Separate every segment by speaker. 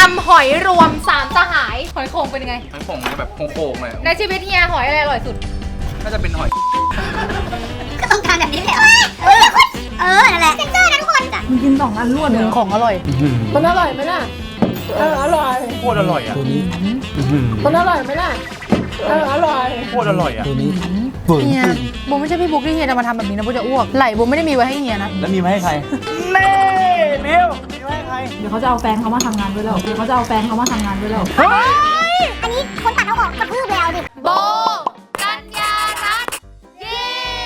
Speaker 1: ำหอยรวม3สหายหอยโข่งเป็นยังไง
Speaker 2: หอยโข่งแบบโข่งๆเลย
Speaker 1: ในชีวิตเฮียหอยอะไรอร่อยสุด
Speaker 2: น่าจะเป็นหอย
Speaker 3: ก็ต้องการแบบนี้แหละนั่นแหละเซนเซอร์นะทุกคน
Speaker 4: มึงกิน2 อันรวดเลย
Speaker 1: ของอร่อย
Speaker 4: มันอร่อยไหมล่ะอร่อย
Speaker 2: โคตรอร่อยอ่ะตัวนี้
Speaker 4: มันอร่อยไหมล่ะอร่อย
Speaker 2: โคตรอร่อยอ่ะตัวนี้
Speaker 1: เฮียโบไม่ใช่พี่บุ๊กที่เฮียจะมาทำแบบนี้นะโบจะอ้วกไหลโบไม่ได้มีไว้ให้เฮียนะ
Speaker 2: แล้วมีมาให้ใครเน่เบี้ยวมีไว้ให้ใคร
Speaker 4: เดี๋ยวเขาจะเอาแฟนเขามาทำงานด้วยแล้วอัน
Speaker 3: นี้คนตัดเอาออกกระพือแล้วดิ
Speaker 1: โบกัญญารัตน์เย้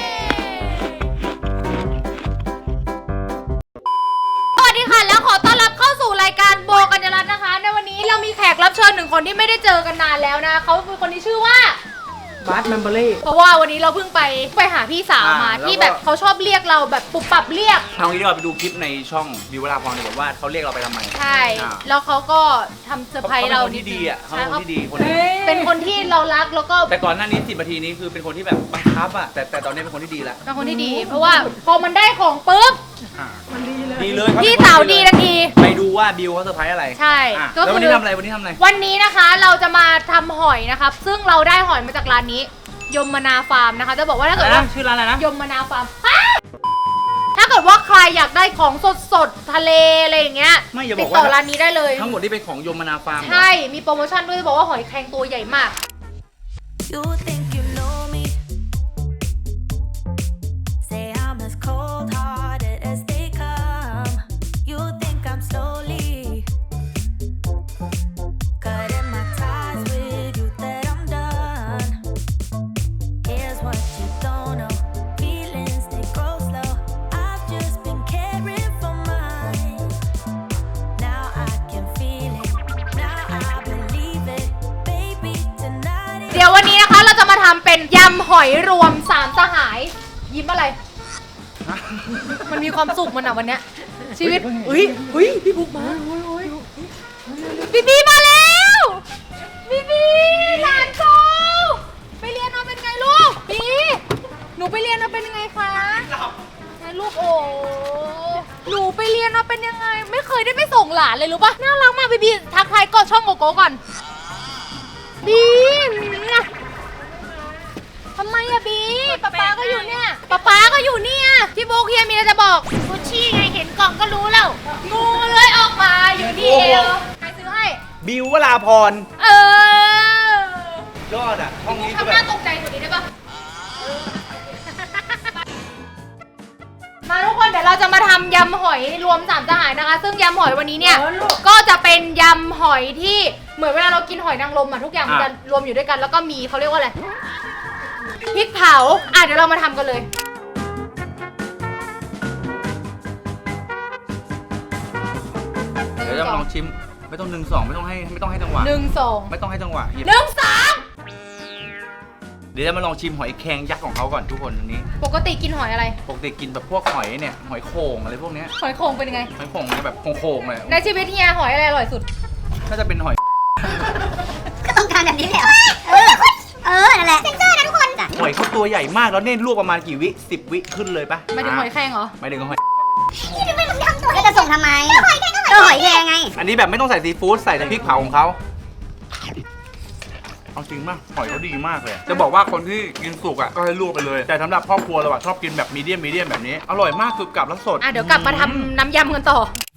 Speaker 1: สวัสดีค่ะแล้วขอต้อนรับเข้าสู่รายการโบกัญญารัตน์นะคะในวันนี้เรามีแขกรับเชิญ1 คนที่ไม่ได้เจอกันนานแล้วนะเขาคือคนที่ชื่อว่า
Speaker 4: บาร์แมมเบอรี่
Speaker 1: เพราะว่าวันนี้เราเพิ่งไปหาพี่สาวมาที่แบบเขาชอบเรียกเราแบบปุบปับเรียก
Speaker 2: เอางี้ดีกว่าไปดูคลิปในช่องวิวลาพรดีกว่าว่าเขาเรียกเราไปทำไม
Speaker 1: ใช่แล้วเขาก็ทำเซอร์ไพรส์เรา
Speaker 2: ที่ดีอ่ะเขาเป็นคนที่ดีคนนี้
Speaker 1: เป็นคนที่เรารักแล้วก็
Speaker 2: แต่ก่อนหน้านี้10 นาทีนี้คือเป็นคนที่แบบบังคับอ่ะแต่ตอนนี้เป็นคนที่ดีแล้ว
Speaker 1: เป็นคนที่ดีเพราะว่าพอมันได้ของปุ๊บ
Speaker 4: มัน
Speaker 2: ดีเลย
Speaker 1: พี่สาวดีทันที
Speaker 2: ไปดูว่าบิวเขาเซอร์ไพรส์อะไร
Speaker 1: ใช่
Speaker 2: แล้ววันนี้ทำอะไรวันนี้
Speaker 1: นะคะเราจะมาทำหอยนะครับซึ่งเราได้หอยมาจากร้านนี้ยมนาฟาร์มนะคะจะบอกว่าถ้าเกิดว่า
Speaker 2: ชื่อร้านอะไรนะ
Speaker 1: ยมนาฟาร์มถ้าเกิดว่าใครอยากได้ของสดๆทะเลอะไรอย่างเงี้ยติดต่อร้านนี้ได้เลย
Speaker 2: ทั้งหมดที่เป็นของยมนาฟาร์ม
Speaker 1: ใช่มีโปรโมชั่นด้วยจะบอกว่าหอยแครงตัวใหญ่มากเดี๋ยววันนี้นะคะเราจะมาทำเป็นยำหอยรวม3สหายยิ้มอะไรมันมีความสุขมันอ่ะวันเนี้ยชีวิตอุ้ยพี่บุ๊กมาบีมาแล้วบีหลานโตไปเรียนมาเป็นไงลูกบีหนูไปเรียนมาเป็นยังไงคะไงลูกโอ้หนูไปเรียนมาเป็นยังไงไม่เคยได้ไปส่งหลานเลยรู้ปะน่ารักมากบีทักทายก็ช่องโกโก้ก่อนบีทำไมอะบีป๊าก็อยู่เนี่ยป๊าก็อยู่เนี่ยพี่โบเฮียมีอะไรจะบอกกุชชี่ไงเห็นกล่องก็รู้แล้วงูเลยออกมาอยู่ที่เอวใครซื้อให้
Speaker 2: บิววราพรยอดอ่ะห้องนี้
Speaker 1: ทำหน้าตกใจกว่านี้ได้ปะมาทุกคนเดี๋ยวเราจะมาทำยำหอยรวม3สหายนะคะซึ่งยำหอยวันนี้เนี่ยก็จะเป็นยำหอยที่เหมือนเวลาเรากินหอยนางรมอะทุกอย่างมันจะรวมอยู่ด้วยกันแล้วก็มีเขาเรียกว่าอะไรพริกเผาเดี๋ยวเรามาทำกันเลย
Speaker 2: เดี๋ยวจะลองชิมไม่ต้อง1 2ไม่ต้องให้จังหวะ
Speaker 1: 1 2
Speaker 2: ไม่ต้องให้จังหวะ
Speaker 1: 1 2
Speaker 2: เดี๋ยวจะมาลองชิมหอยแครงยักษ์ของเขาก่อนทุกคนอันนี้
Speaker 1: ปกติกินหอยอะไร
Speaker 2: ปกติกินแบบพวกหอยเนี่ยหอยโข่งอะไรพวกเนี้ย
Speaker 1: หอยโข่งเป็นยังไง
Speaker 2: หอยโข่งแบบโข่งๆเลย
Speaker 1: ในชีวิตเฮียหอยอะไรอร่อยสุด
Speaker 2: น่าจะเป็นหอย
Speaker 3: ก็ต้องการแบบนี้แหละนั่นแหละเซนเซอร์นะทุกคน
Speaker 2: หอยเขาตัวใหญ่มากแล้วเนี่ยลวกประมาณกี่วิ10 วิขึ้นเลยปะ
Speaker 1: ไม่ถึงหอยแครงเหรอ
Speaker 2: ไม่ถึงหอย
Speaker 3: นี่ทำไมมึงทำตัวจะส่งทำไมหอยแครงก็หอยแครงไง
Speaker 2: อันนี้แบบไม่ต้องใส่ซีฟู้ดใส่แต่พริกเผาของเขาเอาจริงมากหอยเขาดีมากเลยจะบอกว่าคนที่กินสุกอ่ะก็ให้ลวกไปเลยแต่สำหรับครอบครัวเราชอบกินแบบมีเดียมแบบนี้อร่อยมากคือกลับแล้วสด
Speaker 1: เดี๋ยวกลับมาทำน้ำยำกันต่อ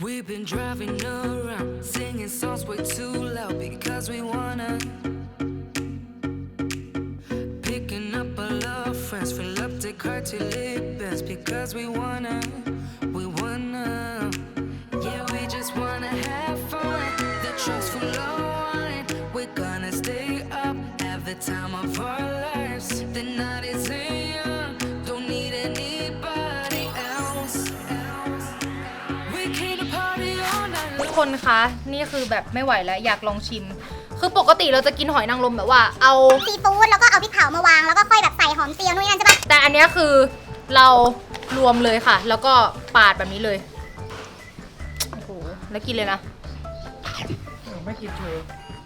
Speaker 1: ทุกคนคะนี่คือแบบไม่ไหวแล้วอยากลองชิมคือปกติเราจะกินหอยนางรมแบบว่าเอา
Speaker 3: ซีฟู้ดแล้วก็เอาพริกเผามาวางแล้วก็ค่อยแบบใส่หอมเจียวนู่นนี่นั่นใช่ปะ
Speaker 1: แต่อันนี้คือเรารวมเลยค่ะแล้วก็ปาดแบบนี้เลยโอ้โหแล้วกินเลยนะ
Speaker 4: ไม่กินเชย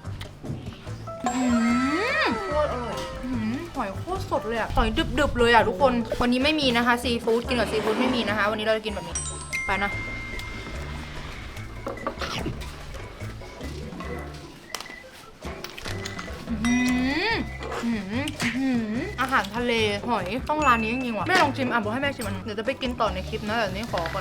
Speaker 1: หอยโคตรสดเลยอะหอยดึบๆเลยอะทุกคนวันนี้ไม่มีนะคะซีฟู้ดกินกับซีฟู้ดไม่มีนะคะวันนี้เราจะกินแบบนี้ไปนะอาหารทะเลหอยต้องร้านนี้จริงๆว่ะแม่ลองชิมบอกให้แม่ชิมอันเดี๋ยวจะไปกินต่อในคลิปนะแต่นี้ขอก่อน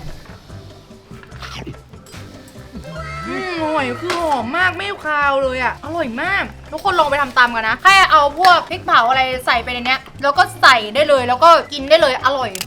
Speaker 1: หอยคือหอมมากไม่คาวเลยอ่ะอร่อยมากทุกคนลองไปทำตามกันนะแค่เอาพวกพริกเผาอะไรใส่ไปในเนี้ยแล้วก็ใส่ได้เลยแล้วก็กินได้เลยอร่อย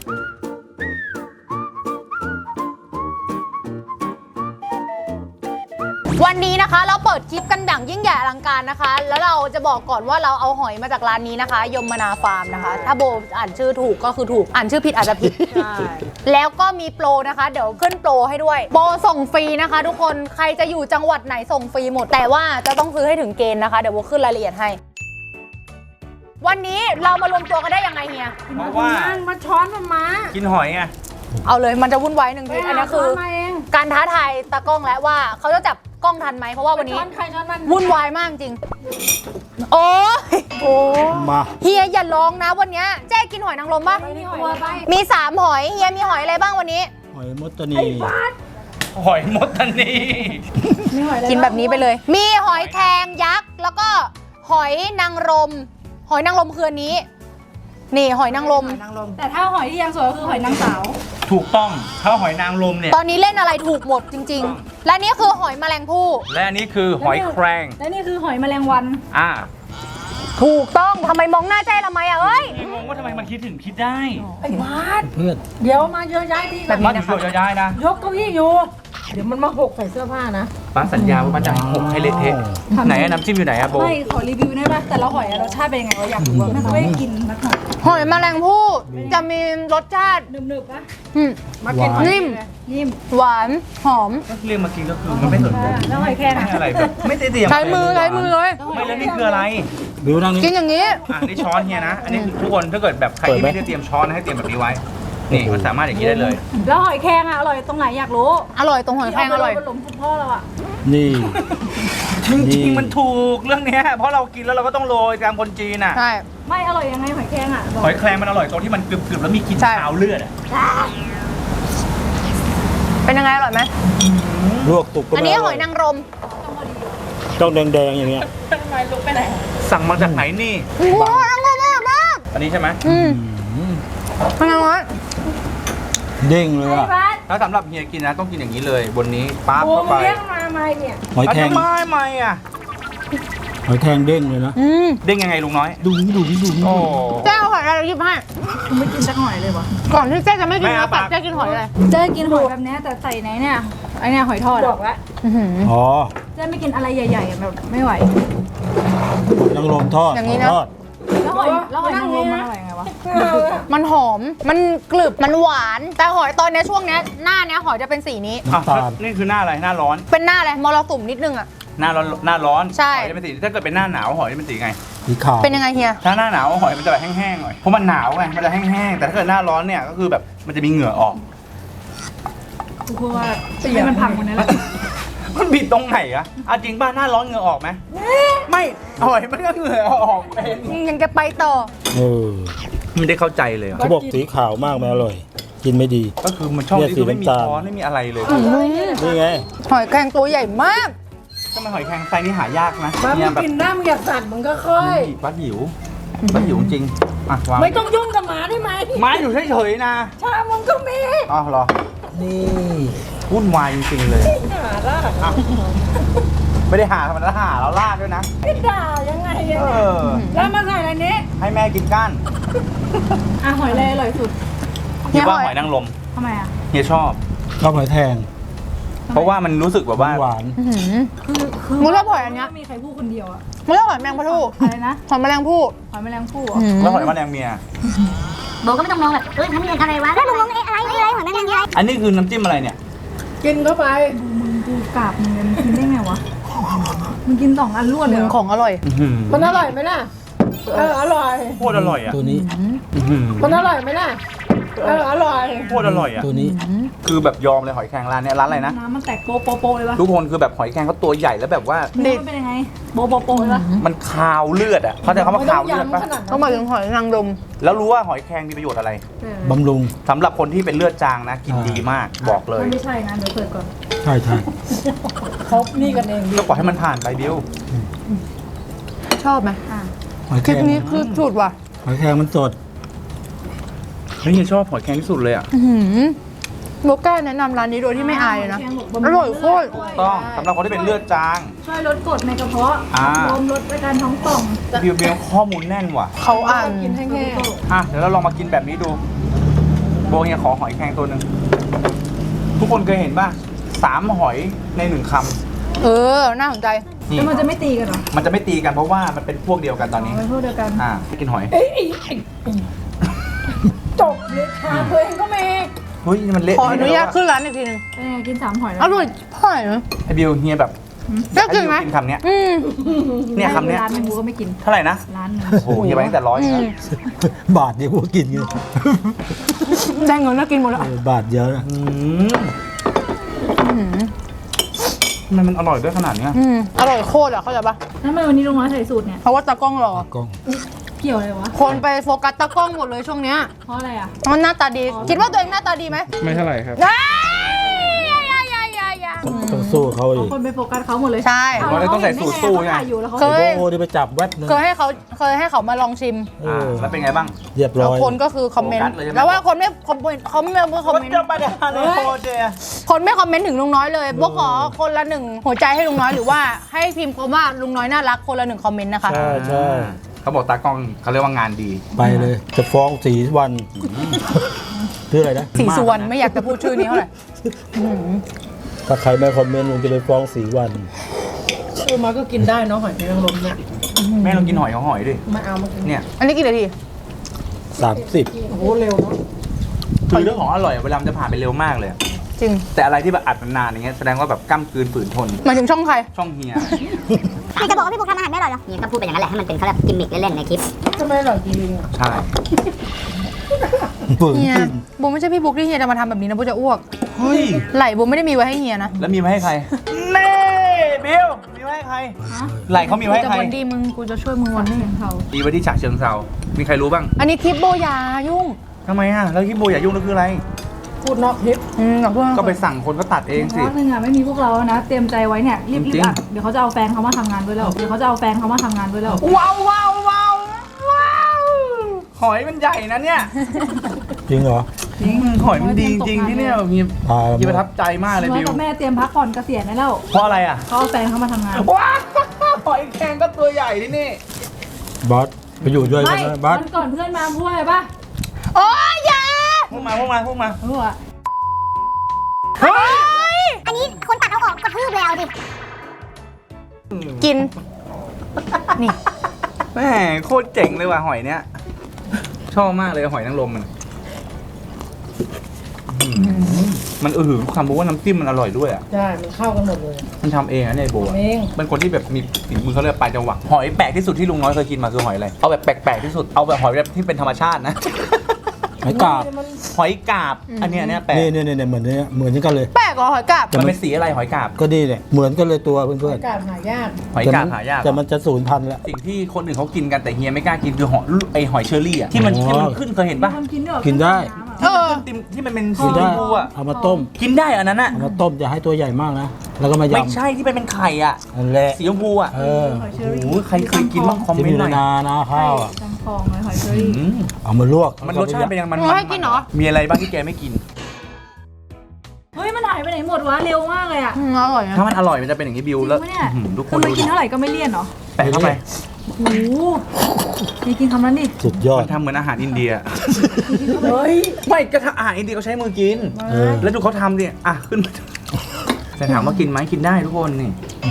Speaker 1: วันนี้นะคะเราเปิดคลิปกันอย่างยิ่งใหญ่อลังการนะคะแล้วเราจะบอกก่อนว่าเราเอาหอยมาจากร้านนี้นะคะยมนาฟาร์มนะคะถ้าโบอ่านชื่อถูกก็คือถูกอ่านชื่อผิดอาจจะผิด แล้วก็มีโปรนะคะเดี๋ยวขึ้นโปรให้ด้วยโปรส่งฟรีนะคะทุกคนใครจะอยู่จังหวัดไหนส่งฟรีหมดแต่ว่าจะต้องซื้อให้ถึงเกณฑ์นะคะเดี๋ยวโบขึ้นรายละเอียดให้วันนี้เรามารวมตัวกันได้ยังไงเฮีย
Speaker 2: เพราะว่า
Speaker 4: มาช้อนมันมา
Speaker 2: กินหอยไง
Speaker 1: เอาเลยมันจะวุ่นวายหนึ่งทีอันนี้คือ
Speaker 4: มาเอง
Speaker 1: การท้าทายตากล้องแล้วว่าเขาจะจับกล้องทันไหมเพราะว่าวันนี้
Speaker 4: ช้อนใครช้อนมัน
Speaker 1: วุ่นวายมากจริงโอ้มาเฮียอย่าร้องนะวันนี้เจ๊กินหอยนางรมป่ะ
Speaker 4: นี่หอยไป
Speaker 1: มี3หอยเฮียมีหอยอะไรบ้างวันนี้
Speaker 5: หอยมดตานี
Speaker 2: หอยมดทันนี
Speaker 4: มีหอยอะไร
Speaker 1: กินแบบนี้ไปเลย มีหอยแครงยักษ์แล้วก็หอยนางรมหอยนางรมคืออันนี้นี่หอยนางรม
Speaker 4: แต่ถ้าหอยที่ยังสวยก็คือหอยนางสาว
Speaker 2: ถูกต้องถ้าหอยนางรมเนี่ย
Speaker 1: ตอนนี้เล่นอะไรถูกหมดจริง ๆ และนี่คือหอยแมลงภู่
Speaker 2: และอันนี้คือหอยแครง
Speaker 4: และนี่คือหอยแมลงวัน
Speaker 1: ถูกต้องทำไมมองหน้าเจ๊ทำไมอ่ะเอ้ย
Speaker 2: งงว่าทำไมมันคิดถึงคิดได้
Speaker 4: ไอ้บาส
Speaker 5: เพื่อน
Speaker 4: เดี๋ยวมาเยอะย้ายที่
Speaker 1: แบบ
Speaker 2: บ้า
Speaker 1: นี้
Speaker 2: น
Speaker 1: นะคะ
Speaker 2: อยู่ย้ายๆนะ
Speaker 4: ยกเก้าอี้อยู่ เดี๋ยวมันมาหกใส่เสื้อผ้านะ
Speaker 2: ป้าสัญญาว่าป้าจะหกให้เละเทะไหนอะน้ำจิ้มอยู่ไหนอะโบ
Speaker 4: ไม่ขอรีวิวได้ป่ะแต่ละหอยอะรสชาติเป็นยังไงวะอยากรู้ว่าไม่เคยกินสักหน่อย
Speaker 1: หอยแมลงภู่จะมีรสชาติ
Speaker 4: หนึบๆป่ะ
Speaker 1: อืม
Speaker 4: มากิน
Speaker 1: นิ่ม
Speaker 4: นิ่ม
Speaker 1: หวานหอม
Speaker 2: ก็เรียกมากินก็คือมันไม่สนใจ
Speaker 4: แล้วหอยแครง
Speaker 2: ไม่
Speaker 4: อะ
Speaker 2: อะไรแบบไม่ได้เตรียม
Speaker 1: ใช้มือเลย
Speaker 2: ไม่แล้วนี่คืออะไร
Speaker 5: บิวนั่งนี่
Speaker 1: กินอย่างนี้
Speaker 2: นี่ช้อนเฮียนะ อันนี้คือทุกคนถ้าเกิดแบบใครที่ไม่ได้เตรียมช้อนให้เตรียมแบบนี้ไว้ นี่มันสามารถอย่างนี้ได้เลย
Speaker 4: แล้วหอยแครงอะอร่อยตรงไหนอยากรู้
Speaker 1: อร่อยตรงหอยแครงอร่อย
Speaker 4: ที่เาไปหลงคุณพ่อเราอะ
Speaker 5: นี่
Speaker 2: จริงๆมันถูกเรื่องเนี้ยเพราะเรากินแล้วเราก็ต้องโรยตามคนจีนอ่ะ
Speaker 1: ใช่
Speaker 4: ไม่อร่อยยังไงหอยแครงอะบอก
Speaker 2: หอยแครงมันอร่อยตรงที่มันกรึบๆแล้วมีกลิ่น
Speaker 1: ใช่
Speaker 2: คาวเลือดอ่ะ
Speaker 1: เป็นยังไงอร่อยไหม
Speaker 5: ลวกตุกก็
Speaker 1: อันนี้หอยนางรม
Speaker 5: ต้องแดงๆอย่างเงี้ย
Speaker 4: ทำไมลุกไปไหน
Speaker 2: สั่งมาจากไหนนี่
Speaker 1: โอ้โหนางรมอร่อยมาก
Speaker 2: อันนี้ใช่ไหม
Speaker 5: อืม
Speaker 1: เป็นยังไง
Speaker 5: เด้งเลยอ่ะ
Speaker 4: บ้าน
Speaker 2: ถ้าสำหรับเฮียกินนะต้องกินอย่างนี้เลยบนนี้ปั๊บ
Speaker 4: โอ้
Speaker 2: เข้า
Speaker 4: มึ
Speaker 2: ไป
Speaker 4: งเลี้ยงมาไหมเนี่ย
Speaker 5: หอยแครง
Speaker 2: ทำไมอ่ะ
Speaker 5: หอยแครงเด้งเลยนะ
Speaker 2: เด้งยังไงลุงน้อย
Speaker 5: ดูนี่ดูนี่ดูนี่
Speaker 2: โอ้
Speaker 1: เจ๊เอาหอยอะไรหยิบให้
Speaker 4: กูไม่กินสักหอยเลยวะ
Speaker 1: ก่อนที่เจ๊จะไม่กิน
Speaker 2: ไม่เอา
Speaker 1: เนื้อสัต
Speaker 2: ปาก
Speaker 1: ว์เจ๊กินหอยอะไร
Speaker 4: เจ๊กินหอยแบบเนี้ยแต่ใส่ไหนเนี่ยไอเนี่ยหอยทอดบอกแล้ว
Speaker 5: อ๋อ
Speaker 4: เจ๊ไม่กินอะไรใหญ่ๆแบบไม่ไหว
Speaker 5: นางรมทอด
Speaker 1: อย่างนี้นะ
Speaker 5: ทอด
Speaker 4: แล้วหอยนางรมมันอร่อยไงวะ
Speaker 1: มันหอม มันกรึบ มันหวาน แต่หอยตอนเนี้ยช่วงเนี้ยหน้าเนี้ยหอยจะเป็นสีนี้
Speaker 2: อ่ะ
Speaker 5: น้ำตาล
Speaker 2: นี่คือหน้าอะไรหน้าร้อน
Speaker 1: เป็นหน้าอะไรมรสุมนิดนึงอะ
Speaker 2: หน้าร้อน
Speaker 1: ใช่
Speaker 2: หอยจะเป็นสีถ้าเกิดเป็นหน้าหนาวหอยจะเป็นสีไง
Speaker 5: สีขาว
Speaker 1: เป็นยังไงเฮีย
Speaker 2: ถ้าหน้าหนาวหอยมันจะแบบแห้งๆหน่อยเพราะมันหนาวไงมันจะแห้งๆแต่ถ้าเกิดหน้าร้อนเนี่ยก็คือแบบมันจะมีเหงื่อออก
Speaker 4: กูพูดว่าให้มันพังคนนี้แหละ
Speaker 2: มันผิดตรงไหนอะเอาจริงป่ะหน้าร้อนเหงื่อออกไหมไม่หอยมันก็เหงื่อออกเป็น
Speaker 1: ยังจะไปต่อ
Speaker 5: เออ
Speaker 2: ไม่ได้เข้าใจเลยอะ
Speaker 5: เขาบอกสีขาวมากไม่อร่อย กินไม่ดี
Speaker 2: ก็คือมันชอบ
Speaker 5: เนี่ย
Speaker 2: ที่คือไม่มี
Speaker 5: สีน้ำตาล
Speaker 2: ช้อนไม่มีอะไรเลย
Speaker 5: นี่ไง
Speaker 1: หอยแครงตัวใหญ่มาก
Speaker 2: ทำไมหอยแครงไซส์นี้หายากนะ
Speaker 4: บ้า
Speaker 2: เนี่ย
Speaker 4: มึง
Speaker 2: แบบ
Speaker 4: กินได้มึงอย่าสั่นมึงก็ค่อย
Speaker 2: ป้าหิวจริงอ่ะวาง
Speaker 4: ไม่ต้องยุ่งกับหมาได้ไหม
Speaker 2: ไม้อยู่เฉยๆนะ
Speaker 4: ชามึงก็มี
Speaker 2: อ๋อเหรอ
Speaker 5: นี่
Speaker 2: วุ่นวายจริงๆเลย
Speaker 4: หาล่ะ
Speaker 2: อ่ะไม่ได้หาธรรมดาหาแล้วลาดด้วยนะ
Speaker 4: ไม่ด่ายังไงอะ
Speaker 2: เอ
Speaker 4: เนี่ย
Speaker 2: อ
Speaker 4: แล้วมาใส่อะไรนี้
Speaker 2: ให้แม่กินก้าน
Speaker 4: อ่ะหอยเลยอร่อยสุด
Speaker 2: คิดว่าหอยนางรม
Speaker 4: ทำไมอ่ะ
Speaker 2: เฮียชอบ
Speaker 5: ชอบหอยแทง
Speaker 2: เพราะว่ามันรู้สึกแบบว่า
Speaker 5: หวาน
Speaker 1: มึงชอบหอยอันเนี้ย
Speaker 4: ไม่มีใครพูดคนเดียวอะ
Speaker 1: มึงชอบหอยแมลงภู่
Speaker 4: อะไรนะ
Speaker 1: หอยแมลงภู่
Speaker 4: หอยแมลงภู่เหรอ
Speaker 2: แล้วหอยแมลงเมีย
Speaker 3: โบก็ไม่ต้องมองแบบเอ้ยทำยังไงอะไรวะแล้วมึงมองอะไรหอยแมลงอะไร
Speaker 2: อันนี้คือน้ำจิ้มอะไรเนี่ย
Speaker 4: กินเข้าไปมึงดูกราบมึงกินได้ไงวะมึงกิน2 อันรวดเลย
Speaker 1: มึ
Speaker 4: เห
Speaker 1: ง
Speaker 4: รอ
Speaker 1: ของอร่อย
Speaker 4: มันอร่อยไหมล่ะอร่อย
Speaker 2: โคตรอร่อยอ่ะ
Speaker 5: ตัวนี้
Speaker 4: มันอร่อยไหมล่ะอร่อย
Speaker 2: โคตรอร่อยอ่ะ
Speaker 5: ตัวนี้
Speaker 2: คือแบบยอมเลยหอยแครงร้านเนี้ยร้านอะไรนะ
Speaker 4: น้ำมันแตกโปโปเลยวะ
Speaker 2: ทุกคนคือแบบหอยแครงเขาตัวใหญ่แล้วแบบว่า
Speaker 4: เนื้อมันเป็นยังไงโปเลยวะ
Speaker 2: มันคาวเลือดอ่ะเขาใจคำว่าคาวเลือดปะ
Speaker 1: ต้องมาถึงหอยนางรม
Speaker 2: แล้วรู้ว่าหอยแครงมีประโยชน์อะไร
Speaker 5: บำรุง
Speaker 2: สำหรับคนที่เป็นเลือดจางนะ กินดีมากบอกเลย
Speaker 4: ไม่ใช่นะเดี๋ยวเปิดก่อน
Speaker 5: ใช่ใช่
Speaker 4: เขานี่กันเอง
Speaker 2: ก็ปล่อยให้มันผ่านไปบิว
Speaker 1: ชอบไหม
Speaker 5: หอย
Speaker 1: ค
Speaker 5: แคร
Speaker 1: ลิป
Speaker 5: ง
Speaker 1: นี้คือสุดว่ะ
Speaker 5: หอยแครงมันสด
Speaker 2: เฮ้ยเฮียชอบหอยแครงที่สุดเลยอ่ะ
Speaker 1: โบก้าแนะนำร้านนี้โดยที่ไม่อายเลยนะ อร่อยโคตร
Speaker 2: ต้องสำหรับคนที่เป็นเลือดจาง
Speaker 4: ช่วยลดกรดในกระเพาะ
Speaker 2: อ่า
Speaker 4: ลมลดอาการท้องป่อง
Speaker 2: บิวบิวข้อมูลแน่นว่ะ
Speaker 1: เขาอ่าน
Speaker 4: กินแห้ง
Speaker 2: อ่ะเดี๋ยวเราลองมากินแบบนี้ดู โบเฮียขอหอยแครงตัวหนึ่งทุกคนเคยเห็นป่ะ3 หอยใน1 ค
Speaker 1: เออ น่าสนใจ
Speaker 2: ำ
Speaker 4: ๆ
Speaker 2: นี่
Speaker 4: แล้วมันจะไม่ตีกันเหรอ
Speaker 2: มันจะไม่ตีกันเพราะว่ามันเป็นพวกเดียวกันตอนนี้
Speaker 4: เป็นพวกเดียวกัน
Speaker 2: กินหอย
Speaker 4: จบเลยค่ะเคยเห็นก็มี
Speaker 2: เฮ้ยนี่มันเละ
Speaker 1: ขออนุญาตขึ้นร้านอีกทีหนึง
Speaker 4: กิน3 หอยแล้ว
Speaker 1: อร่อยพ่อยนะ
Speaker 2: ไอบิวเฮียแบบ
Speaker 1: ได้กินไหม
Speaker 2: ให้บิวกินคำเนี้ย
Speaker 1: อืม
Speaker 2: เนี่ยคำเนี้ย
Speaker 4: ร้านหนึงกูก็ไม่กิน
Speaker 2: เท่าไหร่นะ
Speaker 4: ร้านหนึง
Speaker 2: โอ้โหเฮียไปตั้งแต่100
Speaker 1: อืม
Speaker 5: บาทเดียวพวกกินกัน
Speaker 1: ได้เงินแล้วกินหมดแล้ว
Speaker 5: บาทเดียวนะ
Speaker 2: ทำไมมันอร่อยด้วยขนาดเนี้ย
Speaker 1: อร่อยโคตรอ่ะเข้าใจปะ
Speaker 4: แล้วทำไมวันนี้ลุงน้อยใส่สูตรเนี่ย
Speaker 1: เพราะว่าตากล้องรอ
Speaker 5: กล้อง
Speaker 4: เกี่ยวอะไรวะ
Speaker 1: คนไปโฟกัสตากล้องหมดเลยช่วงเนี้ย
Speaker 4: เพราะอะไรอ่ะ
Speaker 1: มันหน้าตาดี คิดว่าตัวเองหน้าตาดีไหม
Speaker 2: ไม่เท่าไหร่ครับ
Speaker 1: ได้
Speaker 5: ต้องสู้เขา
Speaker 4: เอา
Speaker 5: อีก
Speaker 4: คนไปโฟกัสเขาหมดเลย
Speaker 1: ใช่
Speaker 4: เา
Speaker 2: เราต้องใส่สูตรสู้ไง
Speaker 4: ถ่ายอยู่แล้วเขา
Speaker 1: เคย
Speaker 5: โอ้ที่ไปจับแวบนึง
Speaker 1: เคยให้เขามาลองชิม
Speaker 2: แล้วเป็นไงบ้าง
Speaker 5: เรียบร้
Speaker 1: แล้ว
Speaker 5: อย
Speaker 1: คนก็คือคอมเมน
Speaker 2: โฟกั
Speaker 1: ต์
Speaker 2: สเลยใช่ไหม
Speaker 1: แล้วว่าคนไม่คอมเมนต์เขาไม่คอมเมนต์
Speaker 2: ไปเดี๋ยวเลยโคตรเดีย
Speaker 1: คนไม่คอมเมนต์ถึงลุงน้อยเลยพวกขอคนละ1 หัวใจให้ลุงน้อยหรือว่าให้พิมพ์คำว่าลุงน้อยน่ารักคนละ1 คอมเมนต์นะคะ
Speaker 5: ใช่ใช่
Speaker 2: เขาบอกตากล้องเขาเรียกว่างานดี
Speaker 5: ไปเลย จะฟ้องสีวันชื่ออะไรนะ
Speaker 1: สีสุวรรณไม่อยากจะพูดชื่อนี้เท่าไหร่
Speaker 5: ถ้าใครไม่คอมเมนต์ลุงจะไปฟ้องสีวัน
Speaker 6: คือมาก็กินได้เนาะหอยนางรมเนี่ย
Speaker 2: แม่ลองกินหอยของหอยดิ
Speaker 6: มาเอามากิน
Speaker 2: เนี่ย
Speaker 1: อันนี้กี่นาที
Speaker 5: 30
Speaker 6: โอ้โหเร็วเนาะ
Speaker 2: คือเรื่องของอร่อยเวลามันจะผ่านไปเร็วมากเลย
Speaker 1: จริง
Speaker 2: แต่อะไรที่แบบอัดนานๆอย่างเงี้ยแสดงว่าแบบกล้ามกลืนฝืนทน
Speaker 1: หมายถึงช่องใคร
Speaker 2: ช่องเฮีย
Speaker 3: พี่จะบอกว่าพี่บุ๊กทำอาหารไม่อร่อยเหรอเนี่ยก็พูดไปอย่างนั้นแหละให้มันเป็นเขาเรียกกิมมิคเล่นๆในคลิป
Speaker 6: จะไม่อร่อยจริงๆอ่ะ
Speaker 2: ใช่
Speaker 5: ฝืน
Speaker 1: เฮีย
Speaker 5: กิน
Speaker 1: บูมไม่ใช่พี่บุ๊กที่เฮียจะมาทำแบบนี้นะบูจะอ้วก
Speaker 2: เฮ้ย
Speaker 1: ไหลบูมไม่ได้มีไว้ให้เฮียนะ
Speaker 2: แล้วมีมาให้ใครเน่บิวมีมาให้ใครไหลเขามีมาให้
Speaker 1: จะ
Speaker 2: ใคร
Speaker 1: วันดีมึงกูจะช่วยมึงวัน
Speaker 4: ไม่
Speaker 1: นี้
Speaker 4: เห็นเขา
Speaker 2: มีไว้ที่ฉะเชิงเซามีใครรู้บ้าง
Speaker 1: อันนี้คลิปโบยายุ่ง
Speaker 2: ทำไมอ่ะแล้วที่โบอย่ายุ่งนั่นคืออะไร
Speaker 6: พูดนอกคลิป
Speaker 1: ขอโทษ
Speaker 2: ก็ไปสั่งคนก็ตัดเองสิ
Speaker 4: พักนึงอ่ะไม่มีพวกเรานะ เตรียมใจไว้เนี่ยรีบ
Speaker 2: จริง
Speaker 4: อัดเดี๋ยวเขาจะเอาแฟนเขามาทำงานด้วยแล้วเดี๋ยวเขาจะเอาแฟนเขามาทำงานด้วยแล้ว
Speaker 2: ว้าวว้าวว้าวว้าวหอยมันใหญ่นะเนี่ย
Speaker 5: จริงเหรอ
Speaker 4: จริง
Speaker 2: หอยมันดีจริงที่เนี่ยมี
Speaker 5: ตาย
Speaker 2: มีป
Speaker 5: แล้ว
Speaker 2: ระทับใจมากเลย
Speaker 4: น้อ
Speaker 2: บิ
Speaker 4: ยว กับแม่เตรียมพักผ่อนเกษียณได้แล้ว
Speaker 2: เพราะอะไรอ่ะ
Speaker 4: เขาเอาแฟนเขามาทำงาน
Speaker 2: ว้าวหอยแครงก็ตัวใหญ่ที่นี่
Speaker 5: บอสไปอยู่ด้วยกั
Speaker 4: ไม่
Speaker 5: นนะบอส
Speaker 4: วันก่อนเพื่อนมาพูดอะไรปะ
Speaker 1: โอ้ยอยา
Speaker 2: พวกมาพวกมาพวกมา
Speaker 4: เขาบอกว่า
Speaker 1: เฮ้ย
Speaker 3: อันนี้คนตัดเอาออกกระทืบเลยเอาดิ
Speaker 1: กิน นี่
Speaker 2: แม่โคตรเจ๋งเลยว่ะหอยเนี้ยชอบมากเลยหอยนางรมมันมันหือความรู้ว่าน้ำจิ้มมันอร่อยด้วยอ่ะ
Speaker 6: ใช่ มันเข้ากันหมดเลย
Speaker 2: มันทำเองนะเนี่ยไอ้โบอะ
Speaker 6: ทำเอง
Speaker 2: เป็นคนที่แบบมีฝีมือเขาเรียกปลายจังหวะหอยแปลกที่สุดที่ลุงน้อยเคยกินมาคือหอยอะไรเอาแบบแปลกๆที่สุดเอาแบบหอยแบบที่เป็นธรรมชาตินะ
Speaker 5: หอยกาบ
Speaker 2: หอยกาบอันเนี้ยแปลก
Speaker 5: นี่เหมือนเนี่ยเหมือนกันเลย
Speaker 1: แปลกเหรอหอยกาบ
Speaker 2: มันเป็นสีอะไรหอยกาบ
Speaker 5: ก็นี่เนี่ยเหมือนกันเลยตัวเพื่อน
Speaker 6: อากาศหายาก
Speaker 5: ๆ
Speaker 2: หอยกาบหายาก
Speaker 5: แต่มันจะสูญพันธุ์แล้ว
Speaker 2: สิ่งที่คนอื่นเขากินกันแต่เฮียไม่กล้ากินคือหอยเชอรี่อ่ะที่มัน
Speaker 5: อ๋อ
Speaker 2: ที่มันขึ้นเคยเห็น
Speaker 4: มี
Speaker 2: ปะ
Speaker 4: คนกินด้วยเหรอ
Speaker 5: กินได้
Speaker 1: เออ
Speaker 2: ที่มันที่มันเป็น
Speaker 5: กิ
Speaker 2: สี
Speaker 5: น
Speaker 2: ช
Speaker 5: ได้
Speaker 2: มพูอ่ะ
Speaker 5: เอามาต้ม
Speaker 2: กินได้อันนั้นอ่ะ
Speaker 5: เอามาต้มอย่าให้ตัวใหญ่มากนะ แล้วก็มาย
Speaker 2: ไม่ใช่ที่เป็นไข่อ่ะ
Speaker 5: ำนั่นแหละ
Speaker 2: สีชมพูอ่ะ
Speaker 5: เออ
Speaker 4: หอยเช
Speaker 2: โอ้
Speaker 4: อรี่
Speaker 2: โหใครเคยกินบ้างคอม
Speaker 5: ที่
Speaker 2: เม
Speaker 5: มี
Speaker 2: นต์หน่อย
Speaker 5: นานะข้าวอ่ะ
Speaker 4: จังคองเลยหอยเชอรี่
Speaker 2: อืม
Speaker 5: เอามาลวก
Speaker 2: มันรสชาติเป็นยังไงมัน
Speaker 1: หนูให้กินเหรอ
Speaker 2: มีอะไรบ้างที่แกไม่กิน
Speaker 4: เฮ้ยมันหายไปไหนหมดวะเร็วมากเลยอ่ะ
Speaker 1: อร่อยนะ
Speaker 2: ถ้ามันอร่อยมันจะเป็นอย่างนี้บิวแล้ว
Speaker 4: จริงปะเนี่ย
Speaker 2: อื้อหือทุกค
Speaker 4: คือน มัน
Speaker 2: ดู
Speaker 4: กินเท่าไหร่ก็ไม่เลี่ยนเหรอ
Speaker 2: แปะเข้าไป
Speaker 4: โอ้โหนี่กินคำนั้นดิ
Speaker 5: สุดยอด
Speaker 2: มันทำเหมือนอาหารอินเดีย
Speaker 6: เฮ้ย
Speaker 2: ไม่ก็อาหารอินเดียเขาใช้มือกิน
Speaker 5: เออ
Speaker 2: แล้วดูเขาทำดิอ่ะขึ้นมาแต่ถามว่ากินไหมกินได้ทุกคนนี่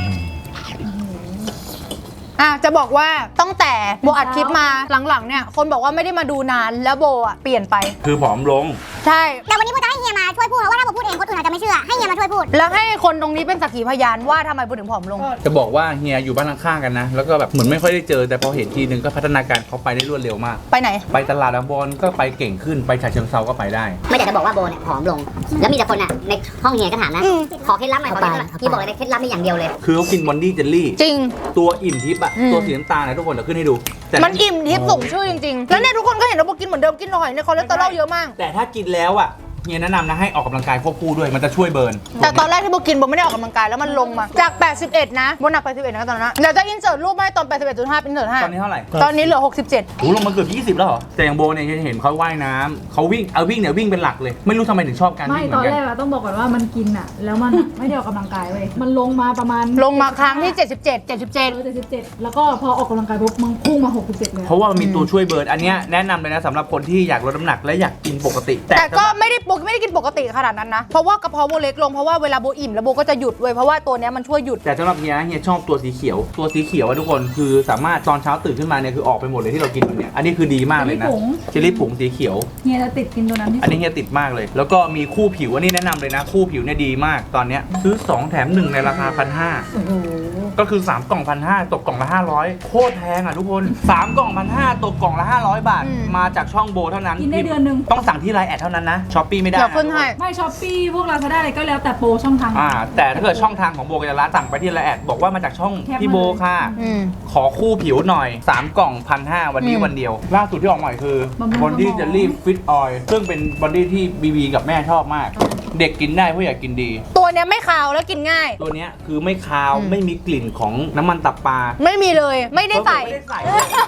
Speaker 1: จะบอกว่าตั้งแต่โบอัดคลิปมาหลังๆเนี่ยคนบอกว่าไม่ได้มาดูนานแล้วโบอ่ะเปลี่ยนไป
Speaker 2: คือผอมลง
Speaker 1: ใช่
Speaker 3: แต่วันนี้พูดจะให้เฮียมาช่วยพูดเพราะว่าถ้าผมพูดเองคนอื่นอาจจะไม่เชื่อ ให้เฮียมาช่วยพูด
Speaker 1: แล้วให้คนตรงนี้เป็นสักขีพยานว่าทำไมโบถึงผอมลง
Speaker 2: จะบอกว่าเฮียอยู่บ้านข้างๆกันนะ แล้วก็แบบเหมือนไม่ค่อยได้เจอแต่พอเห็นทีนึงก็พัฒนาการเขาไปได้รวดเร็วมาก
Speaker 1: ไปไหน
Speaker 2: ไปตลาดบอลก็ไปเก่งขึ้นไปฉะเชิงเซาก็ไปได้
Speaker 3: ไม่อยากจะบอกว่าโบเนี่ยผอมลง แล้วมีแต่คนอ่ะในห้องเฮียก็ถามนะ ขอเคล็ดลับหน่อยขอเคล็ดลับเฮียบอกเลยเคล็ดลับมีอย่างเดียวเลย
Speaker 2: คือเขากินบอนดี้เจลลี่
Speaker 1: จริง
Speaker 2: ตัวอิ่มทิพย์อะ
Speaker 1: อืม
Speaker 2: ตัวสีน้ำตาลนะทุกคนเดี๋ยวขึ้นให้ดูแต่
Speaker 1: มันอิ่มทิพย์ส่งชื่อจริงๆ แล้วเนี่ยทุกคนก็เห็นว่าโบกินเหมือนเดิมกินหอยในคอเลสเตอรอลเยอะมาก
Speaker 2: แต่ถ้ากินแล้วอะเฮียแนะนำนะให้ออกกำลังกายควบคู่ด้วยมันจะช่วยเบิร์น
Speaker 1: แต่ตอนแรกที่โบกินโบไม่ได้ออกกำลังกายแล้วมันลงมาจาก 81 นะโบหนัก 81 นะตอนนั้นเดี๋ยวจะอินเสิร์ตรูปให้ตอน 81.5 เป็นเสิร์ต
Speaker 2: ตอนนี้เท่าไหร่
Speaker 1: 5ตอนนี้เหลือ 67
Speaker 2: โอ้ลงมาเกือบ20แล้วเหรอแต่อย่างโบเนี่ยเห็นเขาว่ายน้ำเขาวิ่งวิ่งเนี่ยวิ่งเป็นหลักเลย ไม่รู้ทำไมถึงชอบการ
Speaker 4: ไม่
Speaker 2: วิ่งเห
Speaker 4: ต
Speaker 2: มื
Speaker 4: อ
Speaker 2: อน น
Speaker 4: แร
Speaker 2: กัน
Speaker 4: กอะต้องบอกก่อนว่ามันกินอะแล้วมัน ไม่ได้ออกกำลังกายเว้ยมันลงมาประมาณ
Speaker 1: ลงมาครั้งที่ 77
Speaker 4: 77แล้วก็พอออกกำลังกายปุ๊บมันพุ่งมา67เลย
Speaker 2: เพราะว่ามันมีตัวช่วยเบิร์นอันเนี้ยแนะนำเลยนะสำหรับคนที่อยากลดน้ำหนักและอยากกินปกติ
Speaker 1: แต่ก็ไม่ได้กินปกติขนาดนั้นนะเพราะว่ากระเพาะโบเล็กลงเพราะว่าเวลาโบอิ่มแล้วโบก็จะหยุดเว้ยเพราะว่าตัวเนี้ยมันช่วยหยุด
Speaker 2: แต่สำหรับเฮียชอบตัวสีเขียวอะทุกคนคือสามารถตอนเช้าตื่นขึ้นมาเนี่ยคือออกไปหมดเลยที่เรากินเนี่ยอันนี้คือดีมากเลยนะเจลลี่ผงสีเขียว
Speaker 4: เฮียจะติดกินตัวนั้นที่
Speaker 2: อันนี้เฮียติดมากเลย แล้วก็มีคู่ผิวอันนี้แนะนำเลยนะ คู่ผิวเนี่ยดีมากตอนเนี้ยซื้อ 2 แถม 1 ในราคา 1,500
Speaker 4: โอ้โห
Speaker 2: ก็คือ 3 กล่อง 1,500 ตกกล่องละ 500 โคตรแพงอ่ะทุกคน 3 กล่อง 1,500 ตกกล่องละ 500 บาท มาจากช่องโบเท่านั้น
Speaker 4: กินได้เดือนหนึ่ง
Speaker 2: ต้องสั่งที่ไลน์แอดเท่านั้นนะช้อปปี้ไม่ได้
Speaker 1: เดี๋ยวขึ้นให้
Speaker 4: ไม่ช้อปปี้พวกลาซาด้าอะไรก็แล้วแต่โปรช่องทาง
Speaker 2: แต่ถ้าเกิดช่องทางของโบกัญญารัตน์สั่งไปที่ไลน์แอดบอกว่ามาจากช่อง
Speaker 4: แคปมา
Speaker 2: พี่โบค่ะ
Speaker 1: อืม
Speaker 2: ขอคู่ผิวหน่อย 3 กล่อง 1,500 วันนี้วันเดียว ล่าสุดที่ออกใหม่คือบ
Speaker 4: ำรุง
Speaker 2: บอดี้
Speaker 4: สมอง
Speaker 2: เจลลี่ฟิตออยล์ซึ่งเป็นบอดี้ที่บีกับแม่ชอบมาก เด็กกินได้ผู้ใหญ่กินดี
Speaker 1: ตัวเนี้ยไม่คาวแล้วกินง่าย
Speaker 2: ตัวเนี้ยคือไม่คาวไม่มีกลิ่นของน้ำมันตับปลา
Speaker 1: ไม่มีเลยไม่ได้ใส่
Speaker 2: ไม่ได้ใส่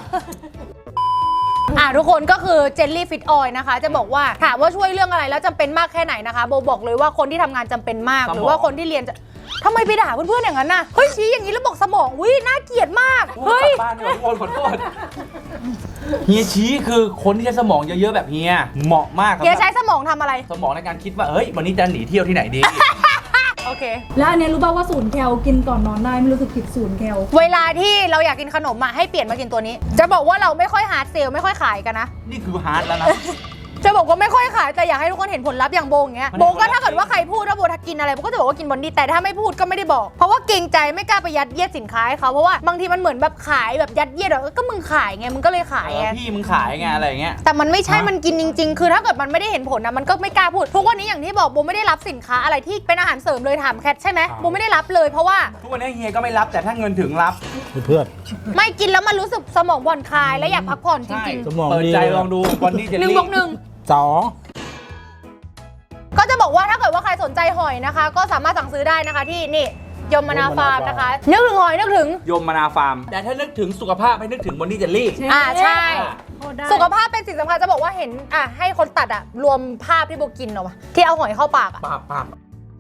Speaker 1: ทุกคนก็คือเจลลี่ฟิตออยล์นะคะ จะบอกว่าถามว่าช่วยเรื่องอะไรแล้วจำเป็นมากแค่ไหนนะคะโบบอกเลยว่าคนที่ทำงานจำเป็นมาก หรือว่าคนที่เรียนจะทำไมไปด่าเพื่อนๆอย่างนั้นน่ะเฮ้ยชี้อย่างนี้แล้วบอกสมองอุ้ยน่าเกลียดมากเฮ้ย
Speaker 2: กลับบ้านเถอะทุกคนขอโทษเฮียชี้คือคนที่ใช้สมองเยอะๆแบบเฮียเหมาะมากครับ
Speaker 1: เฮียใช้สมองทำอะไร
Speaker 2: สมองในการคิดว่าเฮ้ยวันนี้จะหนีเที่ยวที่ไหนดี
Speaker 1: โอเค
Speaker 4: แล้วอันเนี้ยรู้ป่าวว่าศูนย์แคลกินก่อนนอนได้ไม่รู้สึกผิดศูนย์แคล
Speaker 1: เวลาที่เราอยากกินขนมอ่ะให้เปลี่ยนมากินตัวนี้ จะบอกว่าเราไม่ค่อยฮาร์ดเซลไม่ค่อยขายกันนะ
Speaker 2: นี่คือฮาร์ดแล้วนะ
Speaker 1: จะบอกว่าไม่ค่อยขายแต่อยากให้ทุกคนเห็นผลลัพธ์อย่างโบอย่างเงี้ย
Speaker 2: มัน
Speaker 1: โบก็ถ้าเกิดว่าใครพูดว่าโบทักกินอะไรโบก็จะบอกว่ากินบอนดี้แต่ถ้าไม่พูดก็ไม่ได้บอก เพราะว่าเกรงใจไม่กล้าไปยัดเยียดสินค้าให้เขาเพราะว่าบางทีมันเหมือนแบบขายแบบยัดเยียดแบบก็มึงขายไงมึงก็เลยขายไง
Speaker 2: พี่มึงขายไงอะไรอย่างเงี้ย
Speaker 1: แต่มันไม่ใช่มันกินจริง ๆ คือถ้าเกิดมันไม่ได้เห็นผลนะมันก็ไม่กล้าพูดทุกวันนี้อย่างที่บอกโบไม่ได้รับสินค้าอะไรที่เป็นอาหารเสริมเลยถามแคทใช่ไหมโบไม่ได้รับเลยเพราะว่า
Speaker 2: ทุกวันนี้เฮียก็ไม่รับแต่ถ้าเงินถึงรับ
Speaker 5: เพื่อน
Speaker 1: ไม่กินแล้วมันรู้สึกสมองผ่อนคลายและอยากพักผ่อนจริง
Speaker 5: สมอง
Speaker 2: เปิด
Speaker 5: ดี
Speaker 2: ใจลองดูวันนี้จะ
Speaker 1: ๆ 1+1
Speaker 5: 2
Speaker 1: ก็จะบอกว่าถ้าเกิดว่าใครสนใจหอยนะคะ ก็สามารถสั่งซื้อได้นะคะที่นี่ยมนาฟาร์มนะคะนึกถึงหอยนึกถึง
Speaker 2: ยมมนาฟาร์มแต่ถ้านึกถึงสุขภาพให้นึกถึงบอนดี้เจลลี่
Speaker 1: ใช่
Speaker 4: โคตรได้
Speaker 1: สุขภาพเป็นสิ่งสำคัญจะบอกว่าเห็นให้คนตัดรวมภาพที่โบกินออกมาที่เอาหอยเข้าปาก
Speaker 2: ปาบ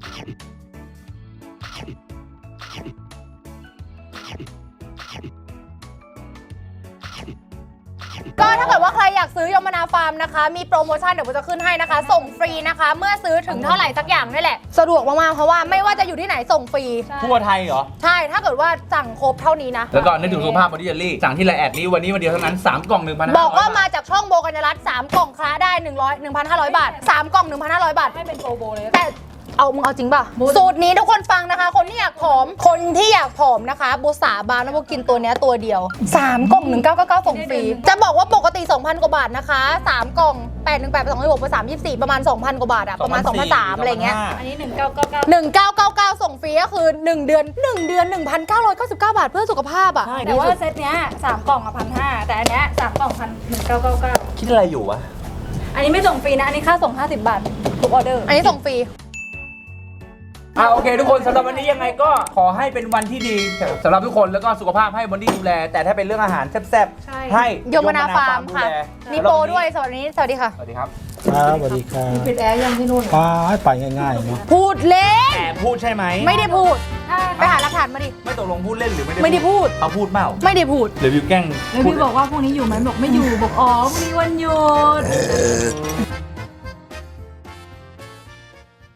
Speaker 1: ก็ถ้าเกิดว่าใครอยากซื้อยมนาฟาร์มนะคะมีโปรโมชั่นเดี๋ยวโบจะขึ้นให้นะคะ ส่งฟรีนะคะ เมื่อซื้อถึงเท่าไหร่สักอย่างนี่แหละสะดวกมากๆเพราะว่าไม่ว่าจะอยู่ที่ไหนส่งฟรี
Speaker 2: ทั่วไทยเหรอ
Speaker 1: ใช่ถ้าเกิดว่าสั่งครบเท่านี้นะ
Speaker 2: แล้วก็นึกถึงสุขภาพบอนดี้เจลลี่สั่งที่ไลน์แอดนี้วันนี้วันเดียวเท่านั้น 3 กล่อง 1,500
Speaker 1: บอกว่ามาจากช่องโบกัญญารัตน์3กล่องคล้าได้1,500 บาท3กล่อง 1,500 บาท
Speaker 4: ให้เป็นโปรโบเลย
Speaker 1: แต่มึงเอาจริงป่ะ สูตรนี้ทุกคนฟังนะคะ คนที่อยากผอมนะคะโบสาบานว่าโบกินตัวเนี้ยตัวเดียว 3 กล่อง 1999 ส่งฟรี จะบอกว่าปกติ 2,000 กว่าบาทนะคะ 3 กล่อง 818 2 6 324 ประมาณ 2,000 กว่าบาทอะประมาณ 2,300 อะไรเงี้ย
Speaker 4: อันนี้1999
Speaker 1: ส่งฟรีก็คือ 1 เดือน 1,999 บาทเพื่อสุขภาพอะ
Speaker 4: แต่ว่าเซตเนี้ย3กล่องอะ1,500แต่อันเนี้ย3กล่อง1,999
Speaker 2: คิดอะไรอยู่วะ
Speaker 4: อันนี้ไม่ส่งฟรีนะอันนี้ค่าส่ง50 บาททุกออเดอร์
Speaker 1: อันนี้ส่งฟรี
Speaker 2: โอเคทุกคนสำหรับวันนี้ยังไงก็ขอให้เป็นวันที่ดีสำหรับทุกคนแล้วก็สุขภาพให้บอนดี้ดูแล แต่ถ้าเป็นเรื่องอาหารแซ่บ
Speaker 4: ใช่
Speaker 2: ๆให้
Speaker 1: ยมนาฟาร์มค่ะ
Speaker 2: ดูแล
Speaker 1: มีโปรด้วยสวัสดีค่ะ
Speaker 2: สวัสดีครับ
Speaker 5: ครับสวัสดีครับ
Speaker 6: ปิดแอร์ยังที่นู่น
Speaker 5: ให้ไปง่ายๆนะ
Speaker 1: พูดเล่น
Speaker 2: แต่พูดใช่ไหม
Speaker 1: ไม่ได้พูดไปหาหลักฐานมาดิ
Speaker 2: ไม่ตกลงพูดเล่นหรือไม่ได้
Speaker 1: ไม่ได้พูด
Speaker 2: เขาพูดเปล่า
Speaker 1: ไม่ได้พูด
Speaker 2: หรือวิวแกล้ง
Speaker 4: แล้วพี่บอกว่าพรุ่งนี้อยู่ไหมบอกไม่อยู่บอกอ๋อพรุ่งนี้วันหยุด